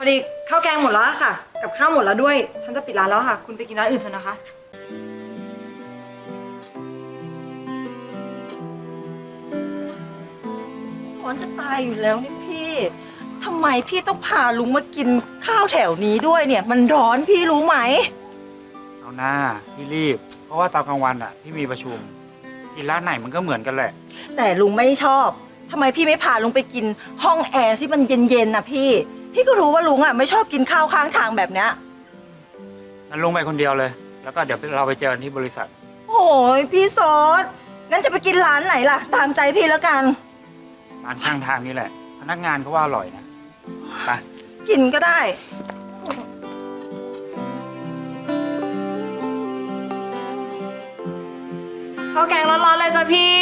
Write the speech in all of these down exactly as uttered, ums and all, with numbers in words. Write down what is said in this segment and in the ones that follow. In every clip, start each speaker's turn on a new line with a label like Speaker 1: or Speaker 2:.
Speaker 1: อดีข้าวแกงหมดแล้วค่ะกับข้าวหมดแล้วด้วยฉันจะปิดร้านแล้วค่ะคุณไปกินร้านอื่นเถอะนะคะ
Speaker 2: ร้อนจะตายอยู่แล้วนี่พี่ทำไมพี่ต้องพาลุงมากินข้าวแถวนี้ด้วยเนี่ยมันร้อนพี่รู้ไหม
Speaker 3: เอาหน้าพี่รีบเพราะว่าตอนกลางวันอ่ะพี่มีประชุมกินร้านไหนมันก็เหมือนกันแหละ
Speaker 2: แต่ลุงไม่ชอบทำไมพี่ไม่พาลุงไปกินห้องแอร์ที่มันเย็นๆนะพี่พี่ก็รู้ว่าลุงอ่ะไม่ชอบกินข้าวข้างทางแบบเนี้ย
Speaker 3: งั้นลงไปคนเดียวเลยแล้วก็เดี๋ยวเราไปเจอกันที่บริษัท
Speaker 2: โอ้ยพี่ซอสงั้นจะไปกินร้านไหนล่ะตามใจพี่แล้วกัน
Speaker 3: ร้านข้างทางนี่แหละพนักงานเขาว่าอร่อยนะไป
Speaker 2: กินก็ได้
Speaker 1: ข้าวแกงร้อนๆเลยจ้ะพี่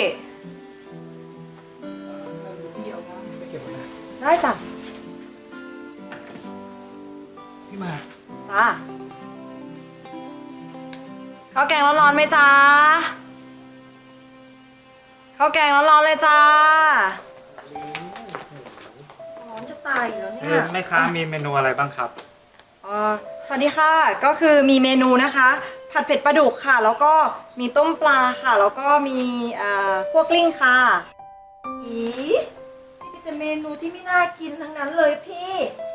Speaker 1: ได้จ้ะ
Speaker 3: พี่มา
Speaker 1: จ้าข้าวแกงร้อนๆไหมจ้าข้าวแกงร้อนๆเลยจ้า
Speaker 2: ร้อนจะตายอยู่แล้วเนี่ย
Speaker 3: แม่ค้ามีเมนูอะไรบ้างครับ
Speaker 1: อ๋อสวัสดีค่ะก็คือมีเมนูนะคะผัดเผ็ดปลาดุกค่ะแล้วก็มีต้มปลาค่ะแล้วก็มีเอ่อพวกกลิ้งค่ะ
Speaker 2: อีนี่เป็นแต่เมนูที่ไม่น่ากินทั้งนั้นเลยพี่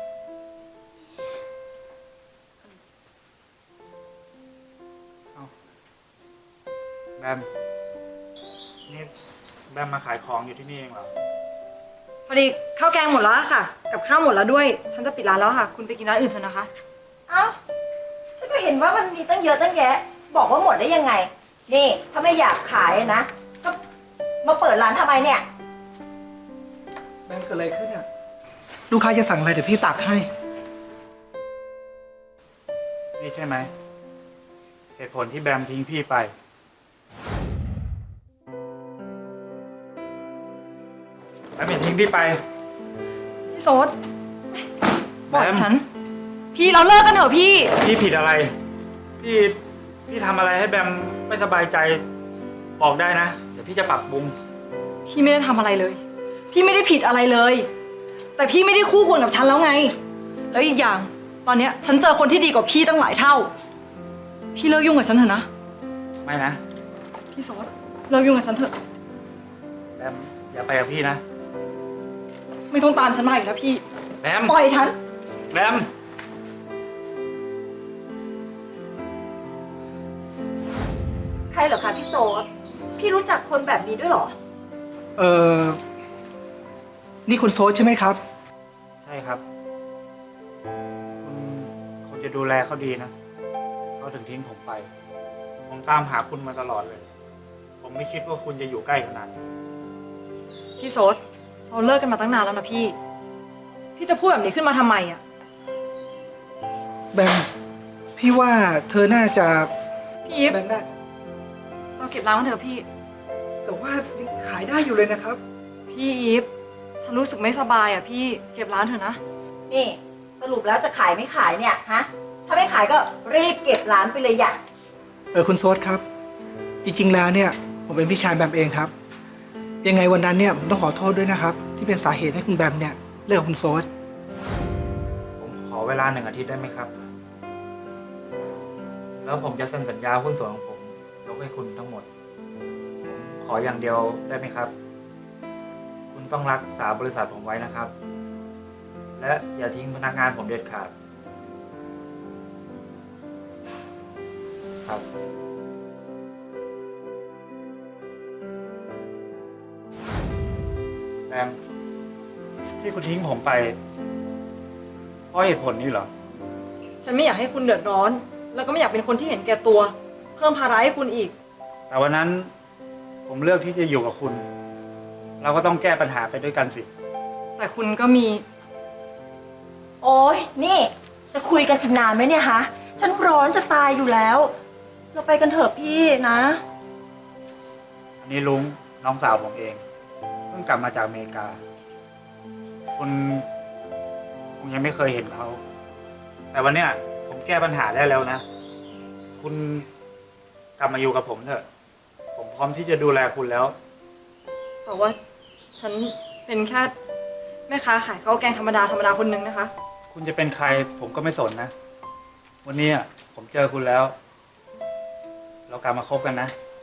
Speaker 3: แบมนี่แบมมาขายของอยู่ที่นี่เองเหรอ
Speaker 1: พอดีข้าวแกงหมดแล้วค่ะกับข้าวหมดแล้วด้วยฉันจะปิดร้านแล้วค่ะคุณไปกินร้านอื่นเถอะนะคะ
Speaker 2: เอ้าฉันก็เห็นว่ามันมีตั้งเยอะตั้งแยะบอกว่าหมดได้ยังไงนี่ถ้าไม่อยากขายนะก็มาเปิดร้านทำไมเนี่ย
Speaker 4: แบมเกิดอะไรขึ้นอ่ะลูกค้าจะสั่งอะไรเดี๋ยวพี่ตักให้
Speaker 3: นี่ใช่ไหมเหตุผลที่แบมทิ้งพี่ไปแบมอย่าทิ้งพี่ไป
Speaker 1: พี่โซดบอกฉันพี่เราเลิกกันเถอะพี่
Speaker 3: พี่ผิดอะไรพี่พี่ทำอะไรให้แบมไม่สบายใจบอกได้นะเดี๋ยวพี่จะปรับปรุง
Speaker 1: พี่ไม่ได้ทำอะไรเลยพี่ไม่ได้ผิดอะไรเลยแต่พี่ไม่ได้คู่ควรกับฉันแล้วไงแล้วอีกอย่างตอนเนี้ยฉันเจอคนที่ดีกว่าพี่ตั้งหลายเท่าพี่เลิกยุ่งกับฉันเถอะนะ
Speaker 3: ไม่นะ
Speaker 1: พี่โซดเลิกยุ่งกับฉันเถอะ
Speaker 3: แบมอย่าไปกับพี่นะ
Speaker 1: ไม่ต้องตามฉันมาอีกนะพี่
Speaker 3: แบม
Speaker 1: ปล่อยฉัน
Speaker 3: แบม
Speaker 2: ใครเหรอคะพี่โซดพี่รู้จักคนแบบนี้ด้วยเหรอ
Speaker 4: เออนี่คุณโซดใช่ไหมครับ
Speaker 3: ใช่ครับคุณคงจะดูแลเขาดีนะเขาถึงทิ้งผมไปผมตามหาคุณมาตลอดเลยผมไม่คิดว่าคุณจะอยู่ใกล้ขนาดนี้
Speaker 1: พี่โซดเราเลิกกันมาตั้งนานแล้วนะพี่พี่จะพูดแบบนี้ขึ้นมาทำไมอ่ะ
Speaker 4: แบมพี่ว่าเธอน่าจะ
Speaker 1: พี่อีฟ
Speaker 4: แบมได้
Speaker 1: เราเก็บร้านกันเถอะพี่
Speaker 4: แต่ว่ายังขายได้อยู่เลยนะครับ
Speaker 1: พี่อีฟฉันรู้สึกไม่สบายอ่ะพี่เก็บร้านเถอะนะ
Speaker 2: นี่สรุปแล้วจะขายไม่ขายเนี่ยฮะถ้าไม่ขายก็รีบเก็บร้านไปเลยอย่า
Speaker 4: เออคุณโซดครับจริงๆแล้วเนี่ยผมเป็นพี่ชายแบมเองครับยังไงวันนั้นเนี่ยผมต้องขอโทษด้วยนะครับที่เป็นสาเหตุให้คุณแบมเนี่ยเลิกกับคุณโซด
Speaker 3: ผมขอเวลาหนึ่งอาทิตย์ได้ไหมครับแล้วผมจะเซ็นสัญญาหุ้นส่วนของผมยกให้คุณทั้งหมดขออย่างเดียวได้ไหมครับคุณต้องรักษาบริษัทผมไว้นะครับและอย่าทิ้งพนักงานผมเด็ดขาดครับแบมที่คุณทิ้งผมไปเพราะเหตุผลนี้เหรอ
Speaker 1: ฉันไม่อยากให้คุณเดือดร้อนแล้วก็ไม่อยากเป็นคนที่เห็นแก่ตัวเพิ่มภาระให้คุณอีก
Speaker 3: แต่วันนั้นผมเลือกที่จะอยู่กับคุณเราก็ต้องแก้ปัญหาไปด้วยกันสิ
Speaker 1: แต่คุณก็มี
Speaker 2: โอ้ยนี่จะคุยกันอีกนานไหมเนี่ยฮะฉันร้อนจะตายอยู่แล้วเราไปกันเถอะพี่นะ
Speaker 3: อันนี้ลุงน้องสาวผมเองเพิ่งกลับมาจากอเมริกาคุณคงยังไม่เคยเห็นเขาแต่วันเนี้ยผมแก้ปัญหาได้แล้วนะคุณกลับมาอยู่กับผมเถอะผมพร้อมที่จะดูแลคุณแล้ว
Speaker 1: แต่ว่าฉันเป็นแค่แม่ค้าขายข้าวแกงธรรมดาธรรมดาคนนึงนะคะ
Speaker 3: คุณจะเป็นใครผมก็ไม่สนนะ วันนี้อะผมเจอคุณแล้ว เรากลับมาคบกันนะ
Speaker 2: ไ